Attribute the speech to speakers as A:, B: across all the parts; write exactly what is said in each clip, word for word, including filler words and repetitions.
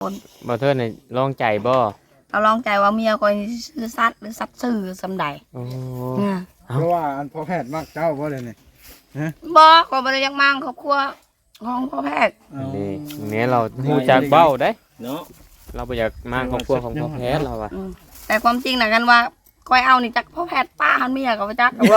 A: บ่เทิดนี่ลองใจบ่
B: เราลองใจว่าเมียคอยซื้อซัดหรือซัดซื้อสำใด
A: โอ้
C: เพราะว่าอันพ่อแพทย์มักเจ้าบ่เลยนี่
B: บอกว่าบ่ได้ยังมั่งครอบครัวของพ่อแพทย์
A: นี่เนี่ยเราฮู้จักเบ้าได้เนาะเราบ่อยากมาครอบครัวของพ่อแพทย์เราอ่ะ
B: แต่ความจริงน่ะกันว่าคอยเอานี่จักพ่อแพทย์ป้าหันเมียก็บ่จักโอ้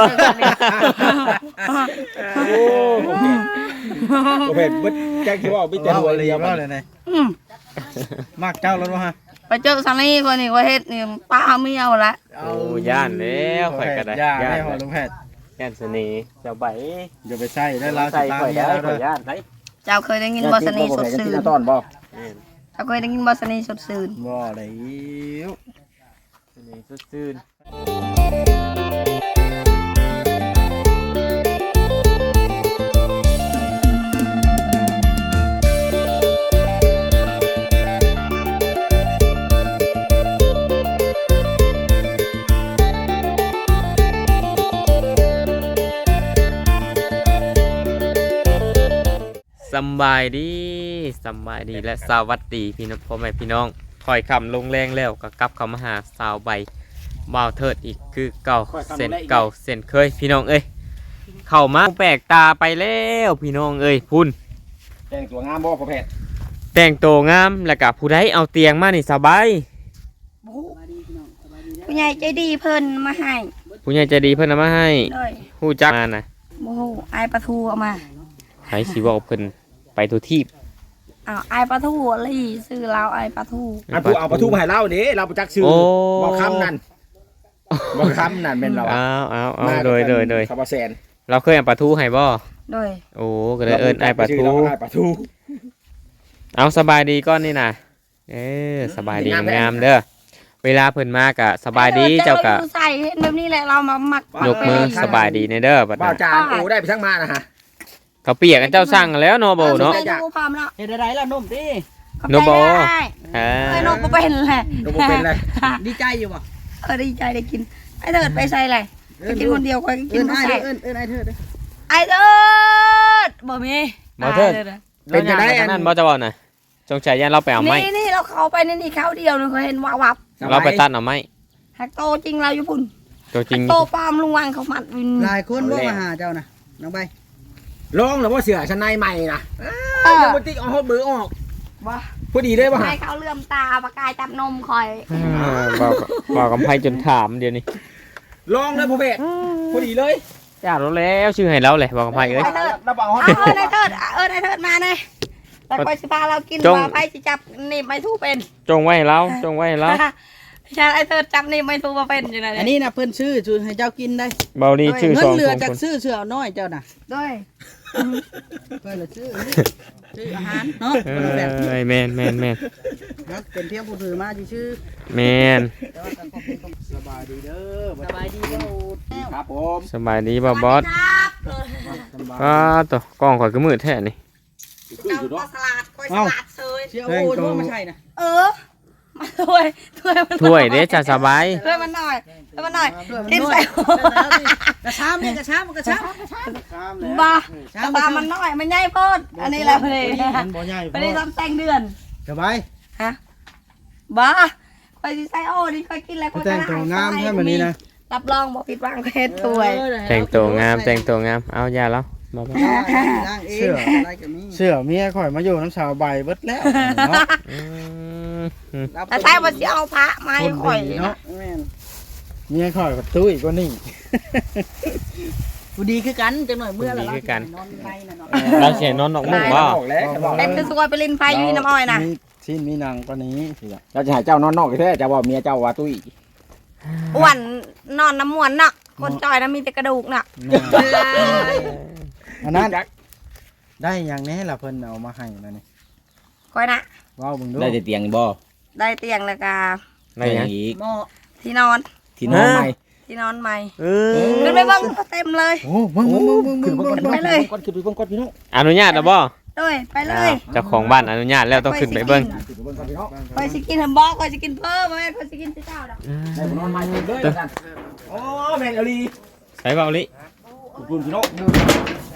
D: พ่อแพทย์บ่จักสิว่ามีแต่หัวเลยบ่
C: เลยนี่มักเจ้ารถบ่ฮะ
B: ไปเจอซันนี่คนนี้ว่าเฮ็ดนี่ป้าเมียละ
A: โอ้ย่านแล้วข่อยก็ได้
C: ย่านได้ฮอดลุงแพทย์
A: ย่านเสน่ห์เจ้าใบ
C: อย่าไปใส่ได้แล้วสิตามเมียแล้วเด้อย่านได
B: เจ้าเคยได้ยินบ่สนีสดซื่น
D: ตอนบ่
B: เจ้าเคยได้ยินบ่สนีสดซื่น
C: บ่ได้
A: สนีสดซื่นสบายดีสบายดีและสวัสดีพี่น้องพ่อแม่พี่น้องถอยคำลงแรงแล้วก็กลับเข้ามาหาสาวใบบ่าวเทิดอีกคือเก่าเส้นเก่าเส้นเคยพี่น้องเอ้ยเข้ามาแปลกตาไปแล้วพี่น้องเอ้ยพุ่น
D: แต่งตัวงามบ่พ่อแพทย์
A: แต่งตัวงามแล้วก็ผู้ใดเอาเตียงมานี่สบาย
B: ผู้ใหญ่ใจดีเพิ่นมาให้
A: ผู้ใหญ่ใจดีเพิ่นเอามาให้ฮู้จักมาน่ะ
B: บ่ฮู้อายปลาทูเอามา
A: ใครสิเว้าเพิ่นไปทุกที่
B: อ้าวไอปลาทูลี่ซื้อเราไอปลาทู
D: อันผู้เอาปลาทูมาให้เราเด้เราประจักษ์ชื่อบ่คำนั่นบ่คำนั่นเป็นเรา
A: อ้าวอ้าวอ้าวโดยโดยโดย
D: ครับบ่แซน
A: เราเคยเอาปลาทูให้บ่
B: โดย
A: โอ้ก็เลยเอิ้นไอปลาทู
D: ไอปลาทู
A: เอาสบายดีก้อนนี่น่ะเออสบายดีงามเด้อเวลาเพิ่นมาก็สบายดีเจ้าก็
B: ใส่เฮ็ดแบบนี้แหละเรามามัก
A: ยกมือสบายดีในเด้อบัด
D: นี้บ่าวจานโอ้ได้ไปทั้งมานะฮะ
A: เขาเปียกกันเจ้าสั่งแล้วเนาะโบเนาะ
B: เฮ็ดได้ล่ะนุ่มติ
A: โนโบ
B: เอ้ยนกบ่เป็นแหละ
D: นกบ่เป็นเลย
B: ดีใจอยู่บ่เออดีใจได้กินไอ้เถิดไปใส่ไรไปกินคนเดียวค่อยกินบ่ใส่
C: เอิ้นเอิ้นไอ้เถิด
B: ไอ้เถิดบ่มี
A: บ่เถิดเป็นจังได๋อันนั้นบ่จะบ่น่ะจงใจยันเราไปเอาไม้
B: นี่ๆเราเข้าไปนี่ๆเข้าเดียวนึงเขาเห็นวับ
A: เราไปตัดเอาไม้
B: ฮักโตจริงเราอยู่พุ่น
A: ตัวจริง
B: โตปามลุงวังเขามัด
C: หลายคนบ่มาหาเจ้าน่ะน้องใบ
D: ลองแล้วว่าเสือชั้นในใหม่นะยังบ่ติ๊กเอาเบอร์ออก
B: บ่
D: พอดีเลยบ่
B: ให้เขาเลื่อมตาปากกายจับนมคอย
A: บอกบอกกับไผจนถามเดี๋ยวนี้
D: ลองเลยพ่อเพชรพอดีเลย
A: จ้ารู้แล้วชื่อให้เราเลยบอกกับไผเอ้ย
B: เราบอกเออในเถิดเออในเถิดมาเลยแต่คอยสิพาเรากินว่าไผสิจับนี่ไม่ทูเป็น
A: จงไว้ให้เราจงไว้ให้เรา
B: ใช่ไอ้เถิดจับนี่ไม่ทูมาเป็นจังได๋
C: อันนี้น่ะเพิ่นซื้อซื้อให้เจ้ากินได้
A: เบาดีชื่อสองคน
C: เงินเหลือจากซื้อเสือน้อยเจ้าน่ะ
B: ด้วย
C: เพิ่นละซื้อซื้ออาหารเนาะ
A: เอ้ยแม่นแม่นแม่น
C: เป็นเพียงผู้ถือมาชื่อ
A: แม่น
C: สบายดีเด้อสบายดีบ่
D: ครับผม
A: สบายดีบ่บอสก็ตัวกล้องข่อยก็มืดแท้นี่
B: เจ้าปลาสลัดคอยสลัดเซย
C: เชี่ยวโอ้โหไม่ใช่นะ
B: เออมาถ้วยถ้วยมัน
A: ถ้วยเด้จะสบาย
B: ถ้วยมันหน่อยถ้วยมันหน่อยกินใส่
C: กระชามเนี่ยกระชามกระชาม
B: บ้าบ้ามันน้อยมันใหญ่โพดอันนี้แหละพอดีพอดีทำแต่งเดือน
C: สบาย
B: ฮะบ้าคอยใส่โอ้ดิคอยกินอะไรคอย
C: แต่งตัวงามแค่แบบนี้นะ
B: รับรองบอกผิดหวังเพชรถ้วย
A: แต่งตัวงามแต่งตัวงามเอาอย่าแล้ว
C: เสื้อเสื้อเมียข่อยมาอยู่น้ำชาวใบเบิดแล้วเนาะ
B: แต่ใช่ว่าจะเอาพระมาให้ข่อย
C: เนาะเมียข่อยกับตุ้ยก็นี่กูดีคือกันจังหน่อยเมื่อเรา
A: คือกันเราเสียนอนนอกมุ้งบ่
B: เป็นคือสวยไปลินไฟอยู่น้ำอ้อยนะ
C: ชิ้นมีหนังกว่านี้
D: เราจะหาเจ้านอนนอกแท้จะว่าเมียเจ้าว่าตุ้ย
B: อ้วนนอนน้ำมวนน่ะคนจอยนะมีแต่กระดูกน่ะ
C: อันนั้นได้อย่างนี้ล่ะเพิ่นเอามาให้นะนี่
B: ก้อยนะ
C: ว้าวมึงดู
D: ได้เตียงบ่
B: ได้เตียงแล้วก็
D: ได้อีก
B: ที่นอน
D: ที่นอนใหม่
B: ที่นอนใหม่ขึ้นไปบ้างเต็มเลย
C: โอ้มึงมึงมึงมึงมึงมึง
B: ไปเลย
D: ก่อนขึ้นไปเบิ่งก่อนพี่น้อง
A: อนุญาตแล้วบ่
B: ด้วยไปเลย
A: เจ้าของบ้านอนุญาตแล้วต้องขึ้นไปเบิ่ง
B: คอยสิกินฮัมบอกคอยสิกินเพิ่มแม่คอยสิกินเจ้าดอก
D: ได้นอนใหม่เลยโอ้แม่งอลี
A: ใส่เบาลิ
D: คุณพี่น้อง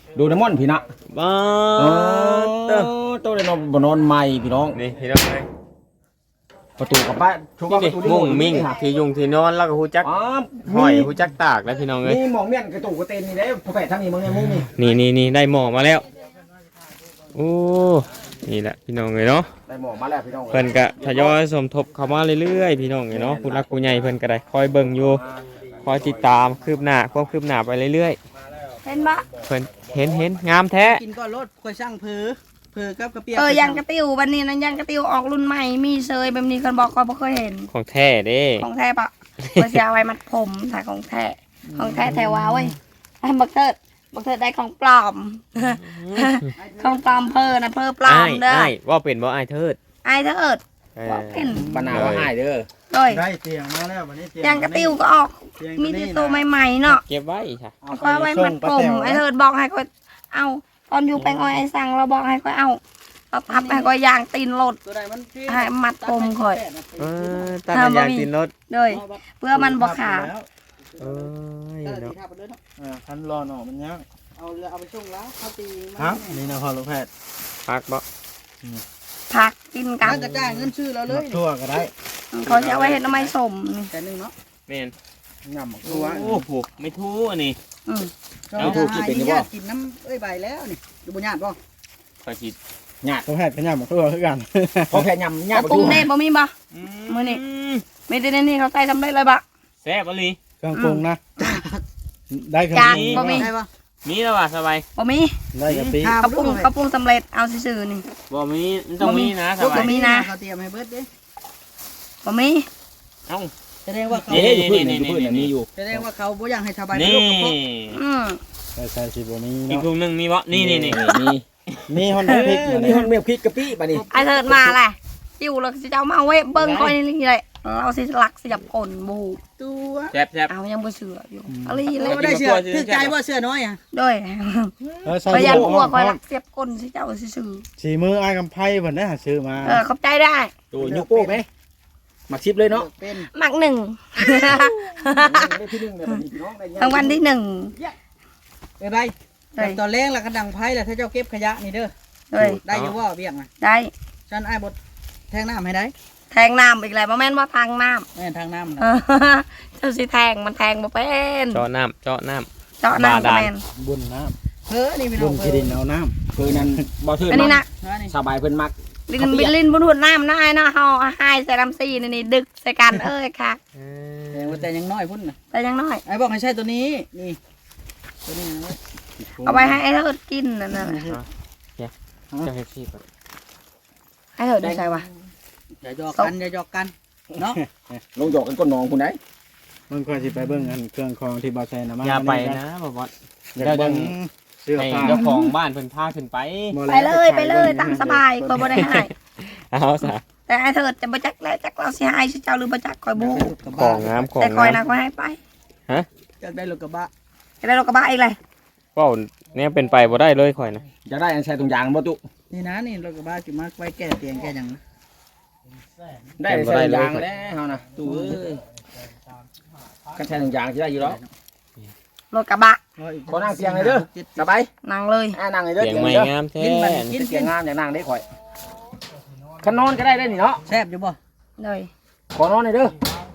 D: ดูน้ำมันพี่นะ
A: บ้า
D: โอ้
A: เตอ
D: ตัวเลยนอนบ่นอนใหม่พี่น้อง
A: นี่พี่น้องเอ้ย
D: ประตูกับบ้านช่วงว่าป
A: นี่
D: ระตู
A: มุ้งมิ่งที่ยุงที่นอนแล้วก็ฮู้จัก
D: อ๋อ
A: ห้อยฮู้จักตากแล้วพี่น้องเอ้ย
D: นี่หมองเมียนกระตูกกระเตนนี่ได้พอแปะทั้งนี้มึงเนี่ยมุ้งนี่
A: นี่นี่นี่ได้หมอมาแล้วโอ้นี่แหละพี่น้องเอ้ยเนาะ
D: ได้หมองมาแล้วพี่น้อง
A: เพิ่นก็ทยอยสมทบเข้ามาเรื่อยๆพี่น้องเอ้ยเนาะผู้รักผู้ใหญ่เพิ่นก็ได้คอยเบิ่งอยู่คอยติดตามคืบหน้าความคืบหน้าไปเรื่อย
B: เห็นบ่
A: ๆเพิ่นเห็นเห็นงามแท้
C: กินก่อนรถค่อยช่างเผือเผือกับกระเปียก
B: เออยังกระติววันนี้นั้นยังกระติวออกรุ่นใหม่มีเซยแบบนี้คนบอกก็บ่เคยเห็น
A: ของแท้เด้
B: ของแท้ปะเพื่อจะเอาไว้มัดผมถ่ายของแท้ของแท้แท้ว้าเว้ยไอ้บักเทิดบักเทิดได้ของปลอม ของปลอมเพอนะเพอปลอ
A: อ้าม ย
B: เด้อ
A: อ้ายว่าเป็นบ่อ้ายเทิด
B: ไอ้เทิด
A: เออ
B: ว่าเป็น
D: ปนาว่าให้เด้อ
B: โดย
C: ได้เตียงมาแล้ววันนี้เตียง
B: ยังกระติวก็ออกมีแต่ตัวใหม่ๆเนาะ
A: เก็บไว้ค่ะ
B: ก็เอาไว้มัดผมไอ้เทิดบอกให้ก็เอาตอนอยู่แปลงอ้อยไอ้สั่งเราบอกให้ก็เอาเราทับให้ก็ยางตีนรถ
C: ตัวใดมันที่
B: ให้มัดผมค่อย
A: เออตัดยางตินรถ
B: โดยเพื่อมันบ่ขาด
A: เอ้ยเนาะ
C: อ่าคันรอหน่อมันยัง
E: เอาเรือเอาไปส่งแล้วเขาตีมัน
C: ครับนี่นะพอลูกแพทย์
A: พักบ่
B: ผักกินกั
E: มัน นกระจายเงินชื่อเราเลย
C: ทั่วก็ได้
B: เขาจะเอาไว้เห็ดน้ำไม้สมนี่
E: แต่หนึ่งเนาะ
A: แม่น
C: งำหมก
A: โอ้
C: ทั่ว
A: โหไม่ทู่อันนี้
B: อืม
E: เราถูกกินเป็นยังกินน้ำเอ้ยใบแล้วนี่ดูบุญญาติป่ะ
A: ขอคิด
C: ลูกแพทย์ก็งำหมกทั่วคือกัน
D: พอแค่ยำ
B: แล้
D: ยำ
B: ว
D: ประ
B: ปรุ
D: ตู
B: งเน่บ่มีบ่ มื้อนี้ ไม่ได้ในนี่เขาใส่ทำได้เลยบ่
A: แซ่บบ่ลี
C: เครื่องปรุงนะ ได้เครื่อง
B: จาน
C: ปรุง
B: บ่มี
E: ได้ป่ะ
A: มีแล้วว่ะสบาย
B: บ่มี
C: ได้กะปิ
B: เขาปรุงเขาปรุงสำเร็จเอาซื่อๆนี่
A: บ่มีมันต้องมีนะสบาย
B: บ่มีนะ
E: เขาเตรียมให้เบิร์ดเด้
B: บ่มี
A: เอ้า
E: แสดงว่าเขา
D: เอ๊ะอยู่พื้นนี่อยู่พื้นนี่มีอยู่
E: แสดงว่าเขาบ่อยากให้ชาวบ้าน
A: นี่
E: ลูกกระพก
B: อืม
C: ใส่ใส่สิบ่มี
A: อีก
C: เนาะ
A: ถุงหนึงมีบ่นี่นี่นี่
D: มี
C: มีฮอนด้าพริกอยู่
D: มี
C: นี่
D: คนเมียพริกกะปิบัดนี้
B: ไอ้เถิดมาแหละจิ้วแล้วสิเจ้ามาเว้เบิ่งค่อยนี่เลยเราสิหลักสิจับคนบู
E: ตัว
A: แซ่บแซ่บ
B: เอายังบ่เชื่ออยู่อะไรเล
E: เรา
B: ย
E: ไม่ได้เชื่อถือใจว่าเชื่อน้อยอ่ะ
B: โดย
C: เออใส่
B: พยายาม
C: ลู
B: กลัว
C: ก
B: ค่อยหลักเสียบคนสิเจ้าซื่อ
C: สีมืออ้ายกำไพ่เพิ่นได้หาซื้อมา
B: ๆเออขอบใจได้
D: ตัวยุกโป้ไหมมาชิปเลยเนาะ
E: เป็น
B: มักหนึ่ง
D: ได้ที่หนึ่งเลยบัดนี้พี่น้องได้
B: รางวัลที่หนึ่ง
E: เอ้ยใบตอนแรกแล้วก็ดังไพ่แล้วถ้าเจ้าเก็บขยะนี่เด้อ
B: โดย
E: ได้อยู่ว่าเบี้ยงอ่ะ
B: ได้
E: ฉันไอ้บดแทงน้ำให้ได้
B: แทงน้ำอีกแล้วบ่แม่นว่าทางน้
E: แม่ทางน้ำ
B: ำ
E: นะ
B: เออเจ้าสิแทงมันแทงบ่เป็น
A: เจาะน้ำเจาะน้ำ
B: เจาะน้ำก็แม่น
C: บุญน้
E: เฮ้อนี่พี่
C: ำ
E: น้
C: บุ
E: อง
C: ญ
E: เอ
C: ที่
E: อ
C: ดินเอาน้
D: คือนั้นบ่เทิด
B: อันนี้นะ
E: นี่
D: สบายเพิ่นมัก
B: ลินบินลินบนหุ่นน้ำนะไอ้นะเฮาหายใส่ลำซีนี่นี่ดึกใส่กันเอ้ยค่ะ
E: แต่ว่าแต่ยังน้อยพุ่นนะ
B: แต่ยังน้อย
E: ไอ้บอกให้ใช่ตัวนี้นี่ตัวนี้นะ
B: เอาไว้ให้ไอ้เถิดกินนั่นน่ะ
A: เจ้าเฮ็ดซี่ก่อน
B: ไอ้เถิดได้ใช่ปะ
E: อย่าหยอกกันอย่าหยอกกันเนาะ
D: ลงหยอกกันก้นน้องคุณได้
C: ำมันควรสิไปเบิ่งอันเครื่องคองที่บ่าวแซนเอามา
A: อย่าไปนะบ่บ่
C: อยากเบิ่งเสื้อ
A: ให้
C: ผ้า
A: เจ้าของบ้านเพิ่นพาขึ้นไป
C: บ่
B: ไป
C: แว
B: เลยไปเลยตามสบายคอยบ่ได้ให้
A: เอาซะ
B: แต่ไอ้เถิดจะบ่จักแล้วจักเราสิให้สิเจ้าหรือบ่จักคอยบ่
A: ของงามของ
B: แต่คอย
A: งาม
B: นะคอยให้ไป
E: อยากได้รถกระบะ
B: จะได้รถกระบะอีกเลย
A: เว้าเนี่ยเป็นไปบ่ได้เลยข่อยนะ
D: จะได้อันใช้ตรงยางบ่ตุ
E: นี่นะนี่รถกระบะสิมาไว้แก้เตียงแก้หยังนะ
D: ได้ใช้ตรงยางแล้วเฮานะตู้เอ้ยกันใช้ตรงยางสิได้อยู่แล้ว
B: รถกระบะ
D: ขอนั่งเตียงเลยเด้อสบาย
B: นั่งเลย
D: อ่านั่งเลยเด้อ
A: เสียง
D: เตียง
A: ใหม่
D: เด้อง
A: ามแท้
E: กิน
D: เตียงงามอย่างนั่งได้ข่อยคันนอนก็ได้ได้นี่เนาะ
E: แซ่บอยู่บ่
B: เลย
D: ขอนอนหน่อยเด้อน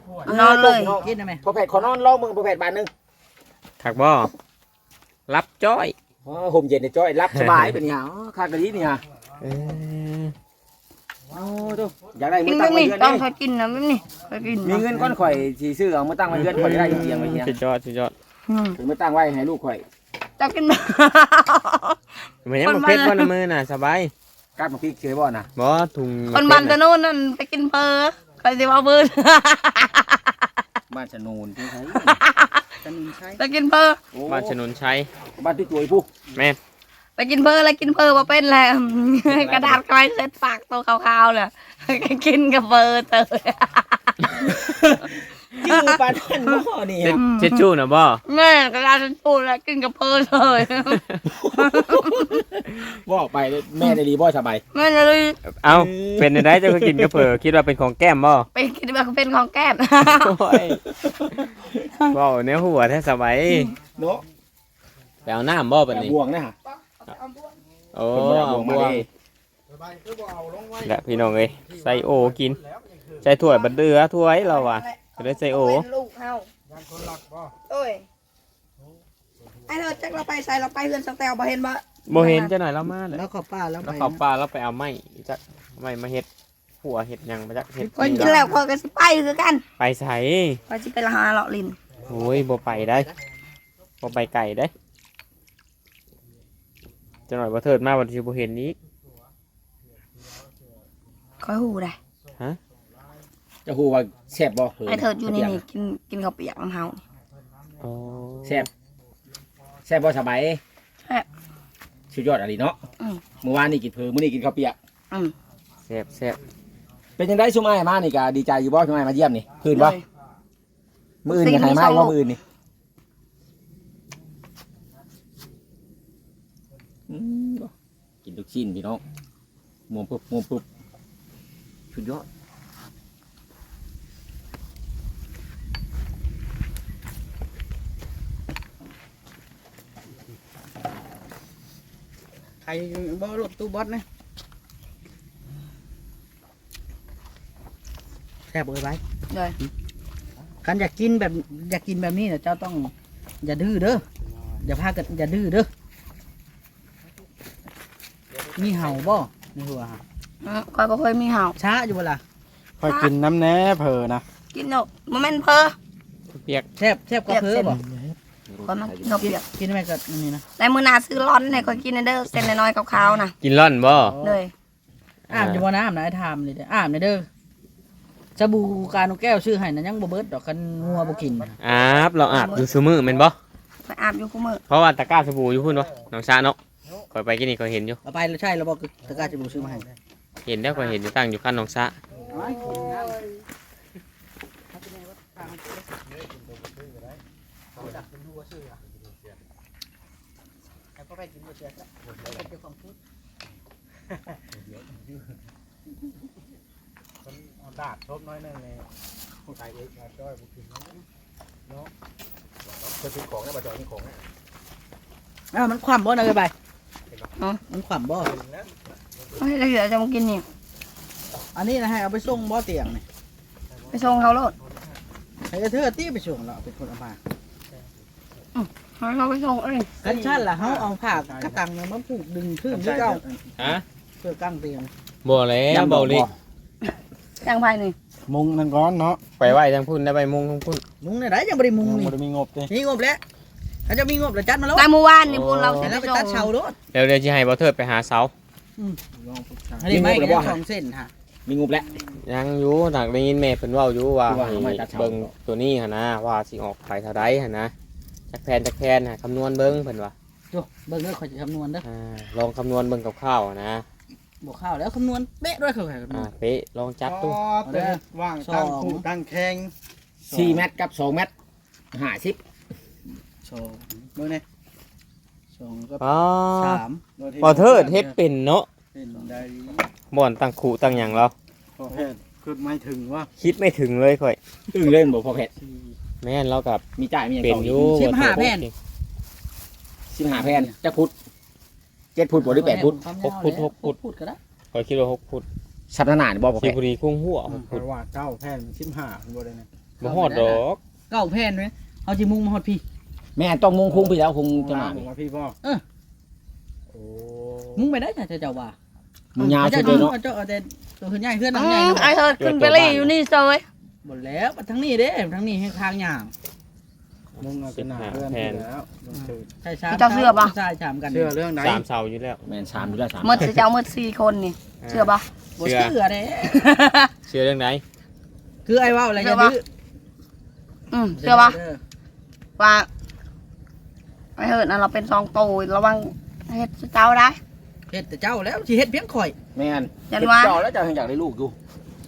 B: อนเลย
E: กินได้ไหม
D: พอแผดขอนอนเล่ามึงพอแผดบาทหนึง
A: ถักบ่รับจ้อย
D: อ๋อห่มเย็นในจ้อยรับสบายเป็นไงอ๋อคากะดีนี่ฮะ
A: เออ
D: โอ้ดูอยากได้
B: กิ
D: มื
B: น
D: อ
B: แบ
D: ตั้ง
B: บ
D: ไว้
B: นี้
D: เดือน
B: ต้อง
D: นี่
B: คอยกินนะแบบนี้คอยกิน
D: มีเงินก้อนข่อยสีซื้อเอามาตั้งไว้เดือนข่อยจะได้อยู่เตียงไว้เตียง
A: สุดยอดสุดยอด
B: อืม
D: ถึงมาตั้งไว้ให้ลูกข่อย
B: เจ้ากิน
A: มันยังบ่เผ็ดบ่น้ำมือน่ะสบาย
D: กัดมาพริกเฉยบ่น่ะ
A: บ่ถุง
B: คนบ้านตะโน่นนั่นไปกินเพอคอยสิเอาเบิด
D: บ้านชะนูนที่ใช้
E: จะนินใช้
B: ไปกินเพอ
D: โอ้
A: บ้านชนนชัย
D: บ้านที่ตัวไอ้ผู้
A: แม่น
B: ไปกินเพอแล้วกินเพอมาเป็นแล้ว กระดาษคอยเซ็ตปากตัวขาวๆเลยกินกับเพอเตย
D: ชื่อปานนั่นบ่นี่
A: เช็ด
D: ฮะ
A: เช็ดชู้น่ะบ่
B: แม่กระดาษฉันพูดแล้วกินกับเพอเลย
D: บ่ไปเลยแม่ได้ดีบ่สบาย
B: แม่เลย
A: เอ้าเป็นได้เจ้าก็กินก็เผลอคิดว่าเป็นของแก้มบ่
B: ไปคิดว่าเป็นของแก้ม
A: โอ้ยเว้าแนวหัวแท้สบาย
D: เนาะ
A: ไปเอาน้ำบ่บัด
D: แบบ
A: นี้
D: บ่วงนะฮะ
A: โอ้
D: เพิ่นบ่ได้
A: เอา
D: บ่วงมา
A: บ่วง
D: เด้
A: และพี่น้องเอ้ยใส่โอกินใส่ถ้วยบัดเดือถ้วยเราอ่ะก็ได้ใส่โอ
B: เป็นลูกเฮา
C: ยังคนหลักบ่
B: โอ้ยไอ้เธอจักเราไปใส่เราไปเฮือนสังแตวบ่เห็นบ่
A: บ่เห็นจะหน่อยเรามาเลย
E: แล้วก็ป้าแล้ว
A: แล้ว
E: ไป
A: เขาปลาแล้วไปเอาไม้จักไม้มาเฮ็ดหัวเฮ็ดหยังมาจักเฮ็ด
B: คนกินแล้วคนก็สิไปคือกัน
A: ไปใส่
B: ว่าสิไปละหาเลาะลิน
A: โอ้ยบ่ไปได้บ่ไปไก่ได้จะหน่อยบ่เถิดมาวันที่บ่เห็นนี้
B: คอยหูได้
D: จะฮู้ว่าแซ่บบ่
B: ไอ้เธออยู่นี่นี่กินกินข้าวเปียกน้ำเฮา
A: อ๋อ
D: แซ่บแซ่บบ่สบาย
B: แซ่บ
D: สุดยอดอะไรเนาะ
B: อืม
D: เมื่อวานนี่กินเผือมื้อนี้กินข้าวเปียก
B: อืม
A: แซ่บแซ่บ
D: เป็นจังได๋ซุมอ้ายมานี่ก็ดีใจอยู่บ่ซุมอ้ายมาเยี่ยมนี่คืนบ่มื้ออื่นก็ให้มาอีกบ่มื้ออื่นนี่อืมบ่กินลูกชิ้นพี่น้องม่วงปุ๊บม่วงปุ๊บสุดยอด
E: ใครบ่รถตู้บอสนะแซ่บเอ้ยไป
B: เลย
E: กันอยากกินแบบอยากกินแบบนี้เนี่ยเจ้าต้องอย่าดื้อเด้ออย่าพากันอย่าดื้อเด้อมีเห่าบ่ในหัวฮะ
B: อืมคอยบ่เคยมีเห่า
E: ช้าอยู่เวลา
C: ค่อยกินน้ำแหน่เผลอนะ
B: กินเนาะบ่แม่นเพอ
A: เปียก
E: แซ่บแซ่บกว่าเพิ่มบ่
B: คอยมากินข้าว
E: กิน
B: เปียก
E: กินไหมกับนี่นะ
B: แต่มื้อหน้าซื้อร้อนให้คอยกินเด้อเส้นน้อยๆขาวๆน่ะ
A: กินร่อนบ่
B: เลย
E: อาบอยู่บ่น้ำนะไอ้ทามเลยเด้ออาบเลยเด้อสบู่การนกแก้วชื่อให้นะยังบ่เบิดดอกกันงัวบ่กิน
A: อาบเราอาบอยู่ซุมื้อแม่นบ่
B: ไปอาบอยู่คุมื้อ
A: เพราะว่าตะกร้าสบู่อยู่พุ่นบ่น้องชาเนาะข่อยไปกินนี่ก็เห็นอยู่
E: เอาไปแล้วใช่แล้วบ่ตะกร้าจะบูซื้อมาให้
A: เห็นแล้วก็เห็นอยู่ตั้งอยู่ข้างน้องชา
C: ดาดทบน้อยนึงในไก่เอกมาจ้อยบุกินเนาะจะซื้อของได้บ่จอยนี่ของ
E: อ้าวมันคว่ำบ่นะเอ้ยไปมันคว่ำบ่
B: เฮ้ยแล้วเดี๋ยวจะมากินนี่
E: อันนี้นะให้เอาไปส่งบ่เตียงนี่
B: ไปส่งเขาโลด
E: ให้เธอตี้ไปส่งแล้วเป็นคนเอามา
B: ให้เขาไปส่งเอ้ย
E: กันชั้นล่ะเฮาเอาผ้ากระตังเนี่ยมาผูกดึงขึ้นที่เก่า
A: ฮะ
E: เพื่อกางเตียง
A: บ่แล้วบ่เลย
B: จังไผนี่
C: มุงนั่นก้อนเนาะ
A: ไปไหว้ทางพุ่นได้ไปมุงทางพุ่น
E: มุงเนี่ยได้ยังบ่ได้มุง
C: ยัง
E: นี่
C: บ่ได้มีงบเด้
E: มีงบแล้วถ้าจะมีงบแล้วจัดมาแล้ว
B: แต่เมื่อวานนี่พวกเราสิ
E: แล้ว
B: ไป
E: ไป
B: ส่
E: ตัด
B: ง
E: เชาโลด
A: เดี๋ยวเดี๋ยวสิให้บ่เทิดไปหาเสา
C: ลองปรึกษา
E: อันนี้ไม่ได้สองเส้นฮะ
D: มีงบแล้ว
A: ยังอยู่หนักได้ยินแม่เพิ่นเว้าอยู่ว่า
D: ว่า
A: ให้
D: ไม่ตัดเสา
A: เบิ่งตัวนี้หั่นนะว่าสิออกไปเท่าใดหั่นนะจักแผนจักแผนน่ะคำนวณเบิ่งเพิ่นว่า
E: ดูเบิ่งเด้อขอยจะคำนวณเด้อ
A: อ่าลองคำนวณเบิ่งกับข้าวๆนะ
E: บวกข้าวแล้วคำนวณเป๊ะด้วยเขาคำน
A: อ่าว
E: ณ
A: เป๊ะลองจัดดู
C: อ๋อเด้อว่างตั้งคู่ตั้งแข่ง
D: สี่เมตรกับสองเมตรห้าสิบ
E: สองเบิ่งนี่สองกับ
A: อ๋อ
E: สาม
A: บ่เทิดเฮ็ดเป็นเนาะ
C: เป็นได้
A: บ่อนตั้งขู่ตั้งหยังเรา
C: พอแพทย์คือไม่ถึงว่า
A: คิดไม่ถึงเลยค่อย
D: อึ้งเล่นบ่พอแพทย์
A: แม่นเรากับ
D: มีจ่ายมีอย่าง
A: เป็น
D: ต่อ
A: อ
D: อีก
A: ยู่
E: สิบห้าแผ่น
D: สิบห้าแผ่นจะพุทธเจ็ดพุทธบ่หรือแปดพุทธ
A: หกฟุตหกฟุต
E: พุทก็ได้
A: ข่อยคิดว่าหกฟุต
D: สัปดาห์หน้านี่บ่พอ
A: สิ
D: แพทย์
A: บุรีคุ้งหัวหก
C: เพ
A: ฟุต
C: ราะว่าเก้าแพทย์มันสิบห้าบ่ได้นะ
A: บ่ฮอดดอก
E: เก้าแผ่นไหมเอาจิมุงมาฮอดพี่
D: แม่ต้องมุงคุ้งไปแล้วคงจะมา
C: ผมว่าพี่บ่
E: เออ
C: โอ้
E: มุงไปได้จ้ะเจ้าว่า
D: มุงยาว
E: เจ้า
D: สุดเลยเนาะ
E: เจ้าเอาแต่ตัวขึ้นใหญ่เพื่อน
B: อื
E: น้ำใหญ่
B: มไอ้เธอขึ้นไปเลยอยู่นี่เซย
E: หมดแล้วทั้งนี้เด้ทั้งนี้ให้ทางย่าง
C: มุงเอาเป็นหน้าเพื่อนไปแล้วมันคือ
E: ใช่ชามใช่ชามกัน
C: เชื่อเรื่องไหน
A: สามเสาอยู่แล้ว
D: แม่นสามอยู่แล้วสาม
B: หมดสิเจ้าหมดสี่คนนี่เชื่อปะ
E: บ่เชื่อเด้
A: เชื่อเรื่องไหน
E: คือไอ้ว่าอะไรจะดื้อ
B: อืมเชื่อปะว่าไอ้เหินน่ะเราเป็นซองโตระวังเฮ็ดเจ้าได้
E: เฮ็ดแต่เจ้าแล้วสิเฮ็ดเพียงข่อย
D: แม่น
B: ยันว่า
D: เจ้าแล้วเจ้ายังอยากได้ลูกอยู่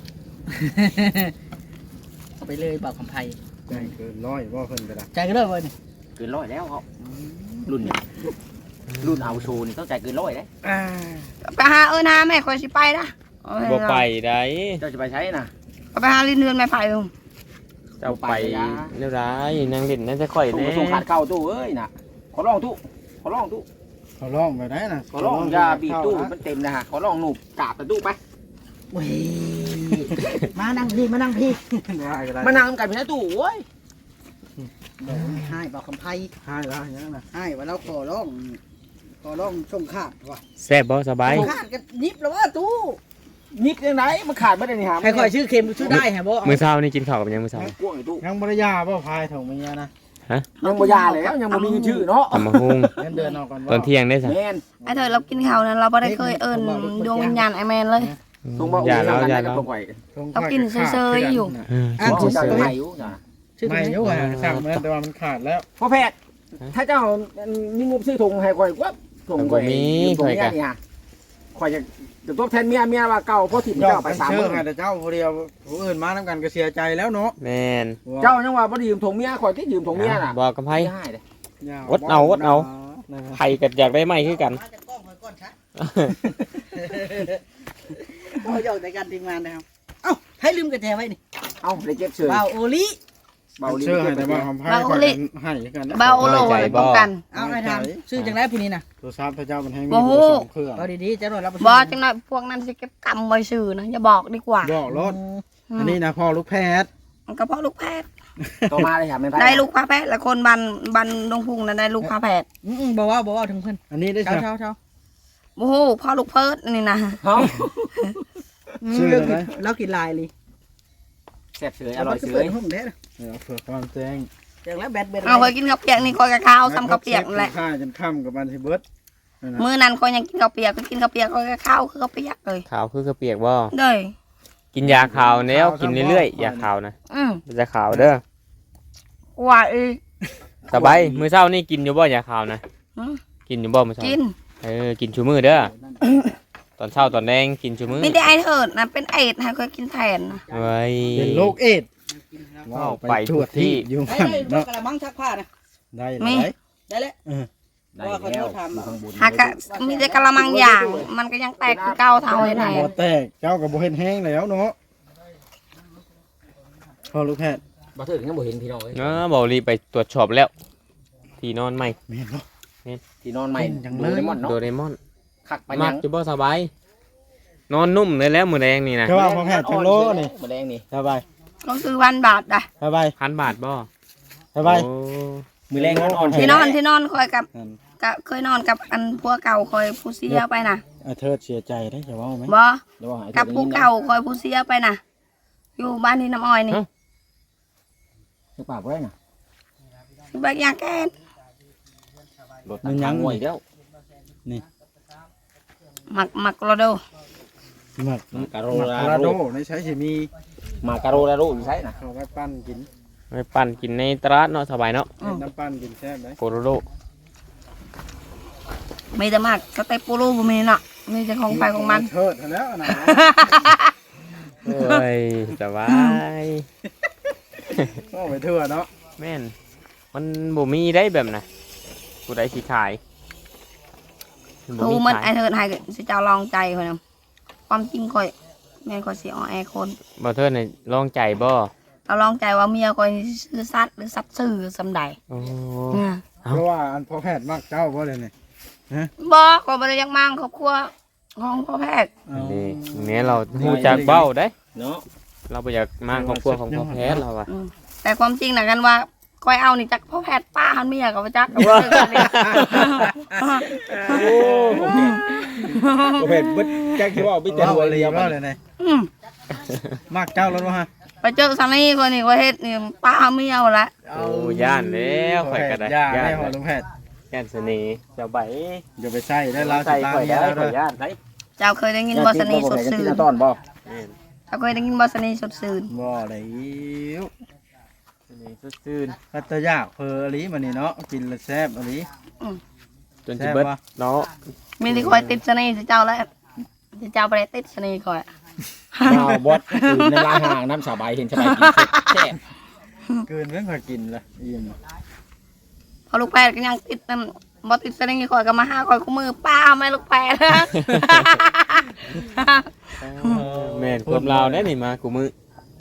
E: เอาไปเลยเป่าคำไพ่
C: ใจเกินร้อยบ่เพิ่นก็ได้
E: ใจก็เลยเว้ยนี่
D: เกินร้อยแล้วเขารุ่นนี้รุ่นเอาโชว์นี่ต้องใจายเกินร้อยเลย
B: ไปหาเอิ้นหาแม่คอยสิไปนะเอาให้
A: บ่ไปได้
D: เจ้าจะไปใช้น่ะ
B: เอาไปหาลิ้นเดือนไม้ไผ่ลุง
A: เจ้าไปเรื่องไรนั่งเล่นนั่นจะค่อย
D: ตู้
A: แน่
D: ส่งขาดเข้าตู้เอ้ยน่ะขอร้องตู้อร้องตู้
C: เขาร้องไปได้นะ
D: ขอร้องยาบีบตู้มันเต็มนะฮะขอร้องหนูกราบแต่ตู้ไป
E: เว้ยมานั่งพี่มานั่งพี่
D: มานั่งกันพี่นะตู้โว้ย
E: ให้บอกคำไพ่
C: ให้แล้วอย่างนั้นนะ
E: ให้ว่าเราขอร้องขอร้องส่งขาดว่ะ
A: แซ่บบ่สบาย
E: ส่งขาดกันนิบแล้วว่าตู้
D: นิดยังไงมันขาดไม่ได้นี่ฮะ
E: ให้คอยชื่อเค็มชื่อได้ฮะบ่
A: มื้อเช้านี่กินข้าวกับหยังมื้อเช้า
D: กวงไอ้ตู้
C: ยังบริยาบ่พายถุงเมียนะ
D: ยังบ่ยาแล้วยังบ่มีชื่อเนาะ
A: ตำมะฮุง
C: เงินเดือนออกก่อน
A: ตอนเที่ยงได้สัก
D: แม่น
B: ไอ้เธอเรากินข้าวนั้นเราไม่ได้เคยเอิญดวงวิญญาณไอแมนเลย
D: ตรงบ่
A: อย่าแล้วอย่าแล้ว
D: ตรงไว้
B: เรากินเซยๆอยู่
A: เออ
D: อ่ะ
A: กิน
D: จะ
A: เฉย
D: ให้อยู่จ้ะ
E: ชื่อ
C: ไม่
E: ไม่
C: ยุ่งอ่ะสั่งมาแต่ว่ามันขาดแล้ว
D: พ่อแพทย์ถ้าเจ้ามีงบซื้อถุงให้ข่อยว่าถุงข่อยถุงเมียนี่ฮะข่อยจะจะทดแทนเมียเมียว่าเก่าเพราะถิ่น
C: ยอ
D: เจ้า
C: ด
D: ไป
C: ไป
D: สาม
C: เชื่
D: มื้
C: อ
D: อ
C: ให้แต่เจ้าผู้เดียวผู้อื่นมาน้ำกันก็เสียใจแล้วเนาะ
A: แม่น
D: เจ้ายังว่าบ่ได้ยืมถุงเมียข่อยที่ยืมถุงเมียน่ะ
A: บอกกับไผ
D: ไม่ได้เลย
A: อดเอาอดเอา ไผก็อยากได้ไม้คือกัน
E: มาจากกล้องคอยก้อนชัดเราหยอกในการทีมงานนะครับเอ้าให้ลืมกระแจไว้นี่
D: เอ้าได้เก็บเฉย
E: เบาโอลิ
D: เบา
C: เชื่อให้แต่ว่า
D: เ
C: คำพายคอยกันให้กันนะ
B: เบาโลไว้ป้องกัน
E: เอาไอ้ทำชื่อจังไรผู้นี้นะ
C: ตัวทราบพระเจ้ามันให้มี
B: โอ้โห
C: ตัวสองเครื่อง
E: เอาดีๆจะหน่อยรับ
B: บอจังหน่อยพวกนั้นสิเก็บกรรมไว้สื่อนะอย่าบอกดีกว่า
C: บอกรถอันนี้นะพ่อลูกแพทย์
B: มันก็เพราะลูกแพทย์
D: ต่อมาเลยค่ะไม่ไป
B: ได้ลูกพาแพทย์และคนบันบันดงพุงนั้นได้ลูกพาแพทย์
E: อืมบอกว่าบอกว่าถึงเพื่อน
C: อันนี้ได้
E: เช้า
C: ใช่
E: เช้าเช้า
B: โอ้โหพ่อลูกเพิร์ดนี่นะ
D: เอ้า
C: ชื่ออะไร
E: เรากินลายเลย
D: แซ่บเฉยอร่อยเฉ
E: เปิ
D: ย
E: ดห้องเด้อ
C: เดี๋ยวเผื่อความแจ้ง
E: อย่างแล้วแบดเบ็ด
B: เอาเคยกินข้าวเปียกนี่คอยกับข้าวซ้ำข้าวเปียกนั่นแหละ
C: ข้าจนค่ำกับบันทิเบิร์ด
B: มื้อนั้นคอยยังกินข้าวเปียกก็กินข้าวเปียกคอยกับข้าวคือข้าวเปียกเลย
A: ขาวคือกระเปียกบ่
B: เด้ย
A: กินยาขาวแล้วกินเรื่อยๆยาขาวนะ
B: อืม
A: มันจะขาวเด้อ
B: ว่าอีก
A: สบายมื้อเช้านี่กินอยู่บ่ยาขาวนะ
B: หืม
A: กินอยู่บ่มื้อเช้า
B: กิน
A: เออกินชูมื้อเด้อตอนเช้าตอนแดงกินชูมื้อ
B: ไม่ได้ไอเถิดนะเป็นเอดให้คอยกินแทนนะ
A: เว้ย
C: เป็นโรคเอดส์
A: ว้าวไปทั่วที่
C: อยู่
E: ได้
C: หัน
E: ได้
C: เนาะ
E: กระมังชักผ้านะ
C: ได้เลย
E: ได้แล้ว
D: ได้แล้วอยู่ข้างบน
B: หากะมีแต่กะละมังอย่าง มันก็ยังแตกคือเก่าเท่าไอ้แทน
C: บ่แตกเจ้ากับบ่เห็นแห้งแล้วเนาะพ่อลูกแพทย์
D: บ่ถึงยังบ่เห็นพี่น้องเอ้ย
A: เออบ่รีบไปตรวจสอบแล้ว ที่นอนใหม่
C: แม่นบ่
D: ที่นอนใหม่
C: เป็นจังเลย
D: โดเรมอนเนาะ
A: โดเรมอน
D: คักไป
A: มั
D: ยั
A: ก
D: ง
A: อยู่บ่สบาย นอนนุ่มเลยแล้วมื้อแดงนี่นะ
C: แค่ว่าพ่อแพทย์จังโลนี่
D: แมลงนี่
C: สบาย
B: ก็คือวันบาทอ่ะ
C: สบาย
A: พันบาทบ่
C: สบาย
A: โอ้
D: มือแรงอ่อน
B: ที่นอนที่นอนคอยกับ
C: นั่น
B: กับเคยนอนกับอันพัวเก่าคอยผู้เสียไปนะ
C: อาเทิดเสียใจได้จะว่าไหม
B: บ่
D: เดี๋ยวว่าให้
B: กับผู้เก่าคอยผู้เสียไปนะอยู่บ้านที่น้ำอ้อยนี่
D: จะปากไว้น่ะ
B: ที่บ้านยาแก้น
D: รถมันยังงวยแล้ว
B: หมักหมักโรโด
C: หมัก
D: มาการโร
C: หมัก
D: ลา
C: คารา
D: โร
C: โดในใช้สิมี
D: มาการโรลาโรอยู่ใช่น่ะ
C: เขาไว้ปั้นกิน
A: ไปปั่นกินในตลาดเนาะสบายเนาะ
C: เป็นน้ำปั้นกินแซ่บได้
A: โกโรโร
B: มีแต่หมักสเต็ปปูรูบ่มีเนาะมีแต่ของไปของมัน
C: เทิดแล้วนะ
A: เอ้ยสบาย
C: ก็ไปเถื่อเนาะ
A: แม่นมันบ่มีได้แบบน่ะผู้ใดสิขายบ่
B: ทูมัน
A: ขาย
B: ไอเถิดให้สิเจ้าลองใจคอยนะความจริงคอยแม่คอยสิออแอคน
A: บ่เทิดนี่ลองใจบ่
B: เราลองใจว่าเมียคอยซื้อสัตว์หรือสัตว์ซื้อสำใด
A: โอ้
B: เนี่ย
C: เพราะว่าอันพ่อแพทย์มักเจ้าเพราะอะไรเนี่ย
B: บอกว่าบ่ได้อยังมั่งครอบครัวของพ่อแพทย์
A: นี่เนี่ยเราฮู้จักเบ้าได้
D: เนาะ
A: เราบ่อยากมางครอบครัวของพ่อแพทย์เราอะ
B: อืมแต่ความจริงนะกันว่าคอยเอานี่จากพ่อแพทย์ป้าหันเมียกับจักกับเพื่อนกันเนี่ย
D: โอ้โหโอเคบึดแจ็คที่ว่าไปเจอ
C: ว่า
D: หัว
C: อะไร
D: เรียว
C: ว่า
D: มา
C: อะไรเนี่ย
B: อืม
C: มักเจ้าแล้ววะฮะ
B: ไปเจอซันนี่คนนี้ว่าเฮ็ดนี่ป้าหันเมียเอาละ
A: โอ้ย่านแล้วข่อยก็ได้
C: ย่า
A: ย่า
C: ได้
A: น
C: หอลุงแพทย์
A: ย่านเสน่ห์เจ้าใบ
C: อย่าไปใส่ได้ลาว
A: ใส่
C: สตา
A: ข่อย
C: เมีย
A: ได้
C: แล้ว
A: ข่
C: เด้
A: อย
C: อย่
A: านไหน
B: เจ้าเคยได้ยินบอสนีสดซื่น
D: ต้อนบ่
A: แม่น
B: เจ้าเคยได้ยินบอสนีสดซื่น
C: บ่อะไร
A: เสน่ห์สดชื่น
C: พัตยากเพออลีมันนี่เนาะกินแล้วแซ่บอลี
A: จนสิเบิด
C: แซ่บปะ
A: เนาะ
B: มีที่คอยติดเสน่ห์สิเจ้าแล้วสิเจ้าไปได้ติดเสน่ห์คอย
D: ดาวบดในร้านห่างน้ำสาบายเห็นสบายกินแซ่บ
C: เกินเพิ่งเคยกินละอิ่ม
B: พอลูกแพทย์ก็ยังติดนั่นบอติดเสน่ห์คอยก็มาห้าคอยคู่มือป้าแม่ลูกแพทย์
A: แม่นความลาวได้นี่มากูมือ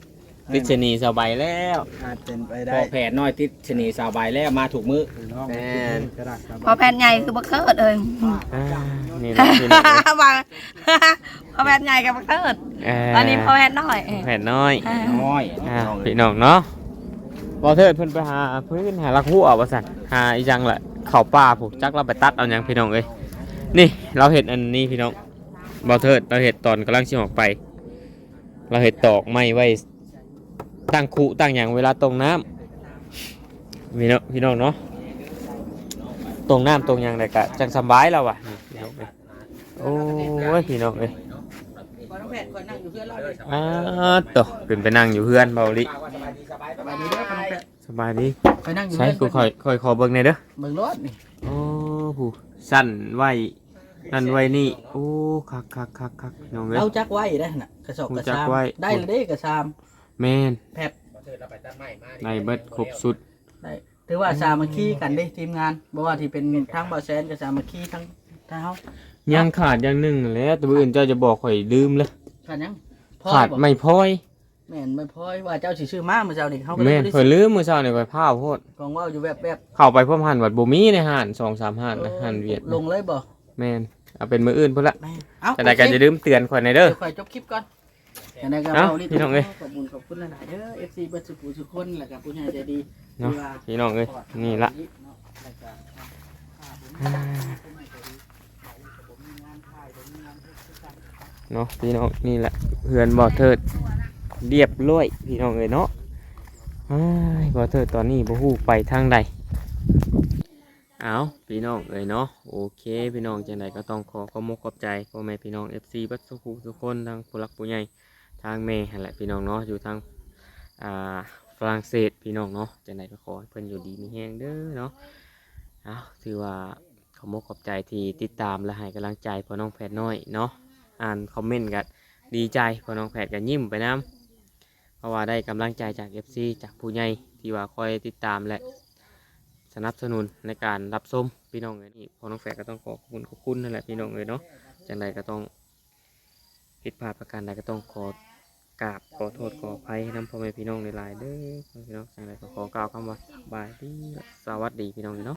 A: ติดชะนีสบายแล้ว
C: อาจเป็นไป
D: พ
C: ได้
D: อแผนน้อยติดชะนีสาวใบแล้วมาถูกมือ
C: น้อง
A: แม่น
C: กระดาษครับ
B: พอแผ่นใหญ่คือบักเทิดเอ้ย
A: อ่านี่นะพี่น้องเอ้ย
B: บางพอแผ่นใหญ่กับบักเทิด
A: เอ่อ
B: ตอนนี้พอแผ่นน้อย
A: แผ่นน้อย
B: อ่า
D: น้อย
A: อ่าพี่น้องเนาะบ่เทิดเพิ่นไปหาพื้นหาลักหัวว่าซั่นหาอีจังแหละเข้าป่าผูกจักเราไปตัดเอาหยังพี่น้องเอ้ยนี่เราเห็นอันนี้พี่น้องบ่เทิดเราเห็นตอนกำลังสิออกไป เราเห็นตอกไม้ไว้ตั้งคุตั้งหยังเวลาตรงน้ำพี่น้องพี่น้องเนาะตรงน้ำตรงหยังได้ก็จังสำบายแล้วว่ะนี่พี่น้องเอ้ยโอ้ยพี่น้องเอ้ย
E: พอน้องแพทย์คอยนั่งอยู่เพื่อนเราเลย
A: อ่าตัวขึ้นไปนั่งอยู่เพื่อนเบาลิ
E: สบายดีเด้อพอน้องแพทย์
A: สบายดี
E: คอยนั่งอยู่
A: ใช่
E: เพื่อน
A: กูคอยคอยขอเบิ่งหน่อยเด้อ
E: เบิ่งรถนี่
A: โอ้ผู้สั้นไว้นั่นไว้นี่โอ้คักคักคักคักน้องเอ้ย
E: เอาจักไว้ได้น่ะกระสอบกระ
A: จัก
E: ซาม
A: ไว้
E: ได้เลยเด้กระซาม
A: แม่น
E: แพบ
A: ในเบิดครบสุด
E: ได้ถือว่าสามัคคีกันเด้ทีมงานบ่ว่าที่เป็นทั้งบ่าวแซนกับสามัคคีทั้งทั้งเฮา
A: ยังขาดอย่างหนึ่งแหล้วตัวอื่นเจ้าจะบอกข่อยลืมเลย
E: ขาดหยังพ่อ
A: ขาด
E: บ่
A: ไม่พลอย
E: แม่นไม่พอยว่าเจ้าสิซื้อมาเมื่อเช้านี่เฮาก็เลย
A: แม่น
E: บ่ได้
A: ข่อ
E: ซื้
A: ย
E: อ
A: ลืมมื้อเช้านี่ข่อยพาวโพด
E: กองว่าวอยู่แบบแบบ
A: เข้าไปพร้อมหันวัดบ่มีในห้านสองสามห้านนะห้านเวียด
E: ลงเลยบ่
A: แม่นเอาเป็นมื้ออื่นพุ่นละ
E: แม่นเอ้า
A: แต่ใดก็จะลืมเตือนข่อยในอยเด้อ
E: เดี๋ยวค่อยจบคลิปก่อนแต่ในกระ
A: เอ้า
E: เป๋านี่
A: พี่น้องเอ้ย
E: ขอบคุณขอบคุณหลายๆเด้อ เอฟ ซี เบิดสุขุทุกคนแล้วก็ผู้ใหญ่ใจดี
A: เนาะพี่น้องเอ้ยนี่ละ เนาะพี่น้องนี่แหละเพื่อนบ่อเทิดเรียบร้อยพี่น้องเอ้ยเนาะอ้ายบ่อเทิดตอนนี้บ่ฮู้ไปทางใดเอาพี่น้องเอ้ยเนาะโอเคพี่น้องจังใดก็ต้องขอขอบมกขอบใจพ่อแม่พี่น้อง เอฟ ซี บัดสุขุทุกคนทางผู้หลักผู้ใหญ่ทางแม่หั่นแหละพี่น้องเนาะอยู่ทางอ่าฝรั่งเศสพี่น้องเนาะจังใดก็ขอให้เพิ่นอยู่ดีมีแฮงเด้อเนาะเอาถือว่าขอบมกขอบใจที่ติดตามและให้กำลังใจพ่อน้องแพทย์น้อยเนาะ อ่านคอมเมนต์กันดีใจพอน้องแผดกันยิ้มไปน้ำเพราะว่าได้กำลังใจจาก เอฟ ซี จากผู้ใหญ่ที่ว่าคอยติดตามและสนับสนุนในการรับชมพี่น้องเอ้ยนี่พอน้องแฝดก็ต้องขอขอบคุณขอบคุณนั่นแหละพี่น้องเอ้ยเนาะจังใดก็ต้องผิดพลาดประการใดก็ต้องขอกราบขอโทษขออภัยน้ำพ่อแม่พี่น้องในหลายๆเด้อพี่น้องจังใดก็ขอกล่าวคำว่าสบายดีและสวัสดีพี่น้องเนาะ